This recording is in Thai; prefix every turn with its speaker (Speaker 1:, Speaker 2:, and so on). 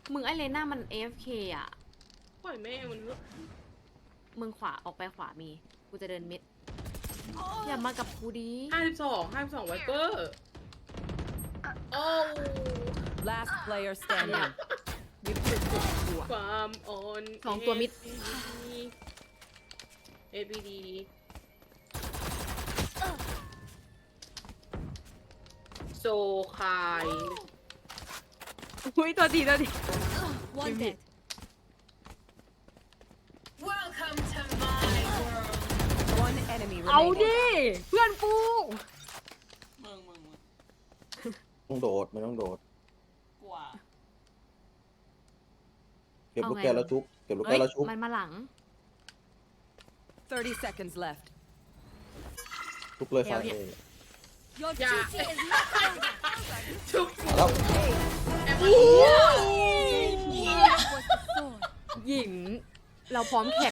Speaker 1: มึงไอเลน่ามัน AFK อ่ะ
Speaker 2: ปล่อยแม่มัน
Speaker 1: มึงขวาออกไปขวามี กูจะเดินมิด อย่ามากับกูดี
Speaker 2: 52ไวเปอร์โอ้
Speaker 3: Last player standing.
Speaker 1: วิบสุดกูอะ
Speaker 2: ความอ่อน
Speaker 1: สองตัวมิด
Speaker 2: ABD โซคาย
Speaker 1: อุ้ยตัวดีตัวดี
Speaker 4: One dead. Welcome to my world.
Speaker 3: One enemy
Speaker 1: เอา
Speaker 3: remaining.
Speaker 1: ดิ เพื่อนกู
Speaker 5: มึง
Speaker 6: ต้องโดดมันต้องโดด
Speaker 5: กว่า
Speaker 6: เก็บลูก
Speaker 1: เอาไง
Speaker 6: แก้วแล้วชุบเก็บลูก
Speaker 1: เฮ้
Speaker 6: แก้
Speaker 1: ยว
Speaker 6: แล้วชุบ
Speaker 1: มันมาหลัง
Speaker 3: 30 seconds left.
Speaker 6: ชุบเลย
Speaker 1: เดี๋
Speaker 6: ฝั่
Speaker 1: ยว
Speaker 6: ง
Speaker 1: เนี่ย
Speaker 6: นี้
Speaker 4: Your
Speaker 2: Yeah.
Speaker 4: duty is not over.
Speaker 2: ชุบ
Speaker 6: แล้ว
Speaker 2: แอม
Speaker 1: หญิง เราพร้อมแข่